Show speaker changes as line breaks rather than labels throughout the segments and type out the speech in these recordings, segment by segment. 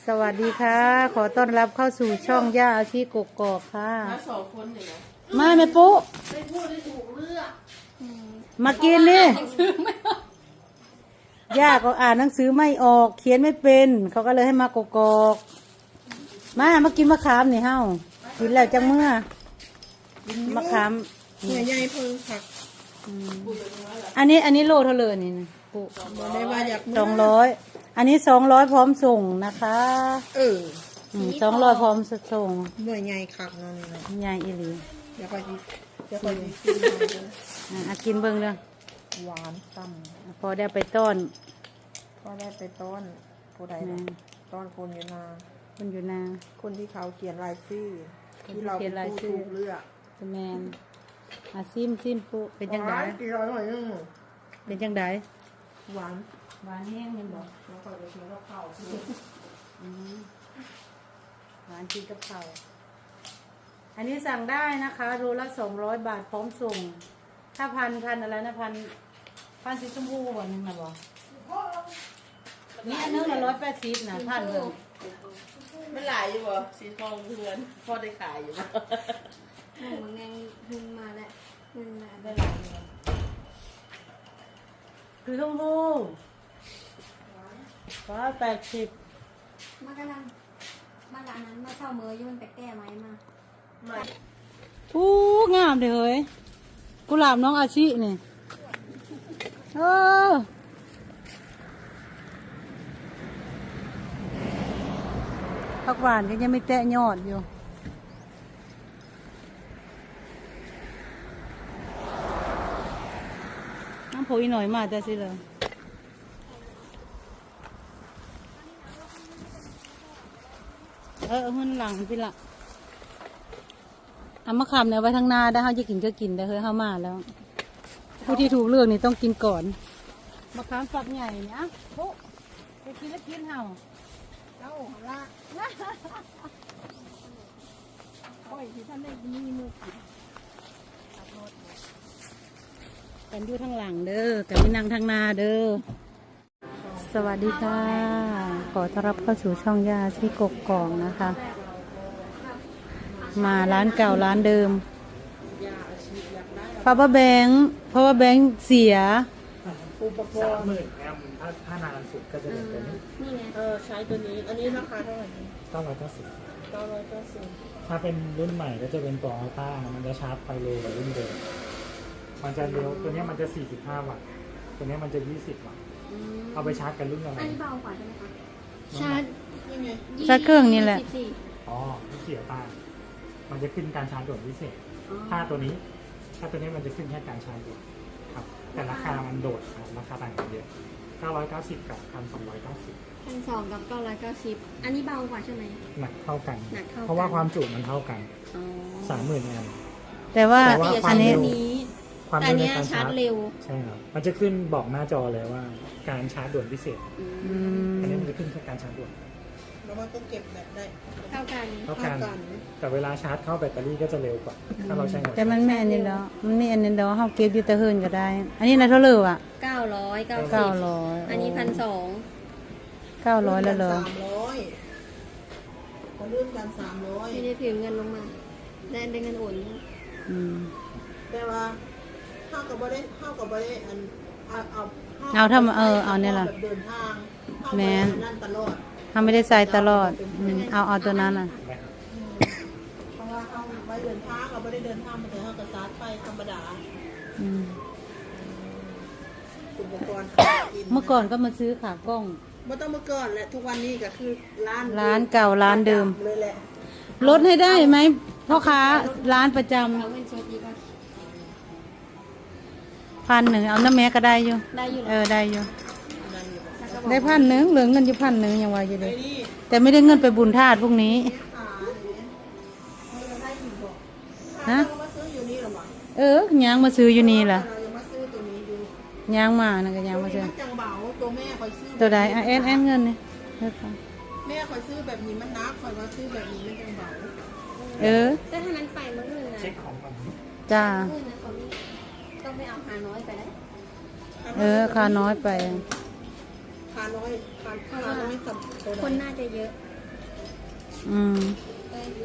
สวัสดีค่ะ ขอต้อนรับเข้าสู่ช่องย่าอาชีกกอกค่ะ
มาสองคนเนี่ยนะ
มาแม่ปุ๊
ได้พูดได้ถูกเลือก
มากินนี่ย่าก็อ่านหนังสือไม่ออกเขียนไม่เป็น เขาก็เลยให้มากกอกมากินมะขามนี่เฮ้ากินแล้วจังเมื่อมะขาม
เหนื่อยใหญ่เพิ่งผัก
อันนี้โลเท่าเลยนี่ปุ๊
มาได้ว่าอยาก
200อันนี้200พร้อมส่งนะคะ200พร้อมส่ง
เหนื่อยใหญ่คักเนาะนี่เนาะ
ยายอีหลี
เดี๋ยวไปกิน
กินเบิ่งเด้อ
หวานต่
พอได้ไปต้อน
ำก็ได้ไปต้อนผู้ใดนะต้อนคนอยู่นา
คนอยู่นา
คนที่เขาเขียนรายชื่อที่เราเป็นผู้ถูกเลือก
แมนซิมปุ๊เป็นจังได
กี่ร้อยหน่อยนึง
เป็นจังได
หวาน
หวานแห้งแม่นบ่
แล้วก็ไปกินข้าว
หวานกินกับข้าวอันนี้สั่งได้นะคะโลละ200 บาทพร้อมส่งถ้าพันอะไรนะพันสีชมพูบ่นึงนะบ่นี่อันนึงละ180นะพันเบิ่ง
ไม่หลายอยู่บ่สีทองเพื่อนพ่อได้ขายอยู่บ่
มันไงขึ้นมาแล้วขึ้นมาได้
คือชมพู180
มากำลังมาร้านนั้นมาเช่าเมย์ยุ่นไปแก้ไม้มา
ไม่
งามเด้อเฮ้ยกุหลาบน้องอาชินี่ผักหวานก็ยังไม่แตะยอดอยู่น้ำโพอีหน่อยมาแต่สิเลยหุ่นหลังพี่ละเอามะขามเนี่ยไว้ทางหน้าได้เขาจะกินก็กินได้เฮ้ยเข้ามาแล้วผู้ที่ถูกเลือกนี่ต้องกินก่อนมะขามฝักใหญ่เนี่ยโอ้ไปกินแล้วกินเห่า
เอ้าละโอ้ยที่ท่านได้มีมือกิน
กันอยู่ทางหลังเด้อกันไม่นั่งทางหน้าเด้อสวัสดีค่ะ ขอต้อนรับเข้าสู่ช่องย่าที่กกอกนะคะ มาร้านเก่าร้านเดิมเพราะว่าแบงค์เสีย
อุปกรณ์
30,000แอมถ้านานสุดก็จะเป็นตัวนี้
นี่ไง
ใช้ตัวนี้อันนี้ราคาเท่าไหร่
990
990
ถ้าเป็นรุ่นใหม่ก็จะเป็นตัวอัลต้ามันจะชาร์จไฟเร็วกว่ารุ่นเดิมมันจะเร็วตัวนี้มันจะ45 วัตต์ตัวนี้มันจะ20 วัตต์เอาไปชาร์จกันรุ่นอะไร
อันนี้เบากว่าใช่ไหมคะ
ชาร์จ
นี่ไง
ชาร์จเครื่องนี่แหละ
อ๋อที่เสียตามันจะขึ้นการชาร์จด่วนพิเศษถ้าตัวนี้มันจะขึ้นแค่การชาร์จด่วนครับแต่ราคามันโดดราคาต่างกันเยอะ990 กับ 1,290
1,200 กับ990อันนี้เบากว่าใช่ไหม
หนักเท่ากัน
หนักเท่ากัน
เพราะว่าความจุมันเท่ากัน
อ๋อ
30,000 แอมป์
แต่ว่า
แต่ว่า
อันนี้
ความ
แต่
เร็วใน
เนี้ย
การ
ชา
ชา
ร์
ร์
จ
จ
เร็ว
ใช่ครับ มันจะขึ้นบอกหน้าจอเลยว่าการชาร์จด่วนพิเศษ
อืม
อันนี้มันจะขึ้นแค่การชาร์จด่วน
แล้วมันก็เก็บแบบได้
เท่ากัน
เท่ากันแต่เวลาชาร์จเข้าแบตเตอรี่ก็จะเร็วกว่า ถ้าเราใช้หัว
แต่มันไม่อันนี้แล้วมันมีอันนี้แล้วเขาเก็บอยู่แต่เฮินก็ได้ อันนี้นะเท่าไหร่อ่ะ
990
900
อันนี้
900แล้วเหรอ
300คนรุ่นกัน300
ไม่ได้ถือเงินลงมาได้เงินโอน
อืม
แต่ว่าเข้ากับบ่ได้อันเอา
เอาถ้ามาเอาเนี่ยล่ะ
แบบเดินทาง
แม่น
นั่นตลอด
เขาไม่ได้ใส่ตลอดเอาตัวนั้นอ่ะ
เพราะว่าเอาไว้เดินทางเราไม่ได้เดินทางมาแต่เขากระซาดไปธรรมดา
อืม
อุปกรณ์กิน
เมื่อก่อนก็มาซื้อขากล้อง
ไม่ต้องเมื่อก่อนแหละทุกวันนี้ก็คือร้าน
เก่าร้านเดิม
เลยแหละ
ลดให้ได้ไหมพ่อค้าร้านประจ
เอาเงินสดดีกว่า
ำ1,000เอาน้ำแม่ก็ได้อยู่
ได้อยู่แล้ว
ได้อยู่
นั่นอยู่บอก
แล้วก็บอก
ได้1,000เหลือเงินอยู่1,000ยังว่าอยู่เล
ไอ้
ย
นี่
แต่ไม่ได้เงินไปบุญธาตุพวกนี้
ขาเนี่ยเราได้อยู่บอก
ฮะ
เรามาซื้ออยู่นี่หรอวะ
ยางมาซื้ออยู่นี่ล่ะ
เราจะมาซื้อตัวนี้ดู
ยางมานะก็ยางมาซื้อ
มันจังเบาตัวแม่คอยซื้อ
ตัวใดแอนเงินนี่
แม่คอยซื้อแบบนี้มันนักคอยว่าซื้อแบบนี้มันจังเบา
แต่ถ้านั้นไปมื้อนึงนะ
เช็คของก่อน
จ้า
มื้อนั้นเขาต้องไม่เอาหาน้อยไปได้
ค่าน้อยไป
ขาน้อยขาน้อยสับตัว
คน
ไหน
น่าจะเยอะ
อืม
ได้อยู่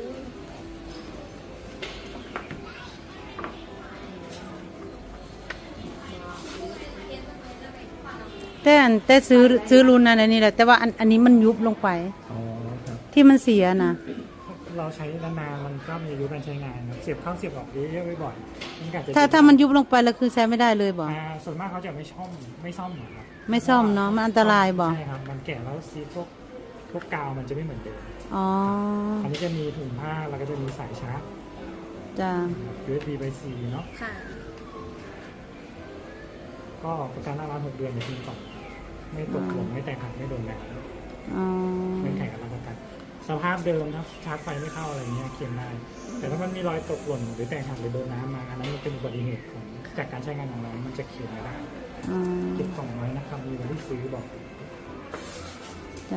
แต่ซื้อรุ่นนั้นอันนี้แหละแต่ว่าอันนี้มันยุบลงไป
อ๋อครับ
ที่มันเสียนะ
เราใช้นานๆมันก็มีอายุการใช้งานครับเสียบเข้าเสียบออกเยอะๆบ่อยๆมันก็อาจจะ
ถ้ามันยุบลงไปแล้วคือใช้ไม่ได้เลยบ่
ส่วนมากเขาจะไม่ซ่อมหรอกครับ
ไม่ซ่อมเนอะมันอันตรายบ่
ใช่ครับมันแก่แล้วซีพวกกาวมันจะไม่เหมือนเดิม
อ๋อ
อันนี้จะมีถุงผ้าแล้วก็จะมีสายชาร์จ
จ้า
USB by C เนาะ
ค่ะ
ก็ประกันหน้าร้าน6 เดือนอย่างที่ก่อนไม่ตกหล่นไม่แตกหักไม่โดนแดด
อ๋อ
เงื่อนไขการรับประกันสภาพเดิมนะชาร์จไฟไม่เข้าอะไรเงี้ยเคลมได้แต่ถ้ามันมีรอยตกหล่นหรือแตกหักหรือโดนน้ำมาอันนั้นมันเป็นอุบัติเหตุของจากการใช้งานของเรามันจะเคลมไม่ได้
อ๋อ
เก็บกล่องไว้นะครับมีวันที่ซื้อบอก
จ้า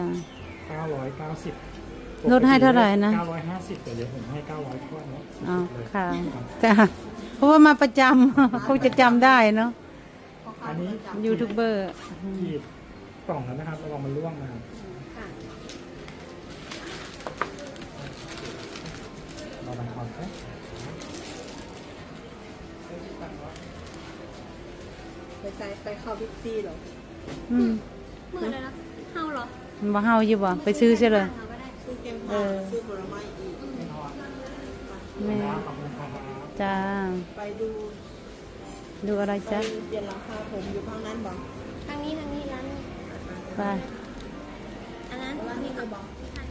990
ลดให้เท่าไหร่นะ
950แต่เดี๋ยวผมให้900ทั่วเนาะ
อ๋อ
เลย
ค่ะ
รับ
จ้าเพราะว่ามาประจำ คงจะจำได้เนาะ
อันนี้
ยูทูบเบอร์
ขีดกล่องแล้วนะครับระวังมันร่วงนะครับ
ค่ะ
เราดังคอนไหม
ไปเข้าบิ๊กซีเหรอ
อืม
เมื่อไรนะเฮาเหรอ
มันบ่เฮาอยู่บ่ไปซื้อใช่เลย
เฮาก็ได้
ซื้อเกมผ้าซื้อผลไม้อีก
ไม่ทอด
แม่
ขอบคุณครับ
จ้า
ไปดู
ดูอะไร
ไป
จ้า
เปลี่ยนหลังคาผมอยู่ข้างนั้นบอก
ทางนี้ร้านนี้
ไป
อันนั้น
ร้านนี้ก็บอก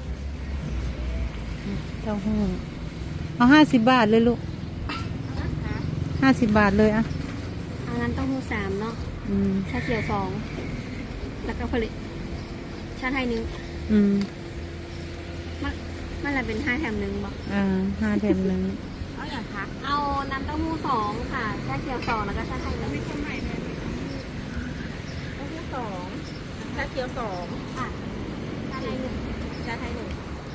เต้าหู้เอา50 บาทเลยลูก
นะคะ
50 บาทเลยอ่ะ
อันนั้นเต้องหู3เนาะ
อืม
ชาเขียว2แล้วก็ผลิตชาไทย1
อืม
มันอะไรเป็น5 แถม 1บอก
5 แถม 1
เอาอย่างคะเอาน้ำเต้าหู้2ค่ะชาเขียว2แล้วก็ชาไทย1ไม่คนใหม่เลย
เต้าหู้2ชาเขียว2
ค่ะชาไทย1
ชาไทย1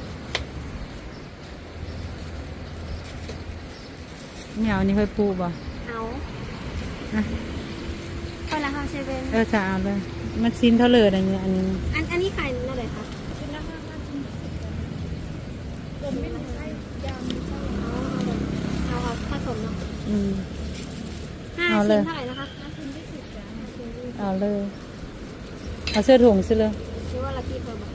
เหนียวนี่ค่อยปูบ่
เอา
อ่ะ
ไปแล้วค่ะเซเว่น
จะเอาเลย มันชิ้นเท่าเลยอันนี้อันนี้
อันนี้ขายเท่าไหร่คะ
ผมไม่ใช่ยำ
เอาผสมเนาะ
อืม
ห้า
เอาเล
ชิ้
ย
นเท่าไหร่นะคะ5 ชิ้น20จ้ะ5 ชิ้น20
เอาเลย เอาเสื้อถุงซิเลย
หรือว่าละกี่เพิ่มอ่ะ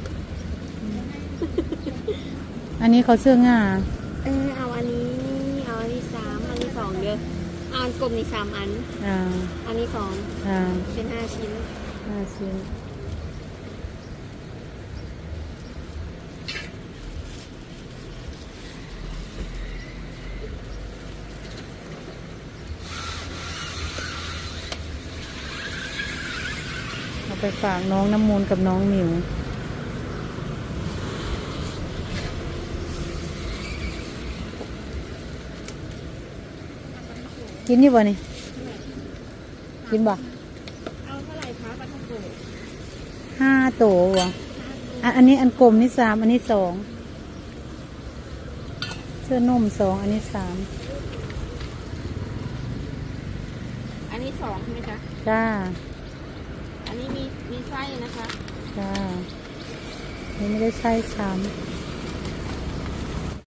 อันนี้เขาเสื้องา
เอาอันนี้3อันนี้2เด้อเอาอันกลมนี่3อัน
อ่า
อันนี้2
อ่า
เป็น5 ชิ้น
5 ชิ้นเอาไปฝากน้องน้ำมูลกับน้องหมิว กินนี่บ่นี่กินบ่
เอาเท่าไหร่คะปลาท่องโกะ
5 โตบ่อันนี้อันกลมนี่3อันนี้2เสื้อนุ่ม2อันนี้3
อันนี้2ใช่ไหมคะ
จ้า
อันนี้มีไส้นะคะ
จ้านี่ไม่ได้ใส่ซ้ำ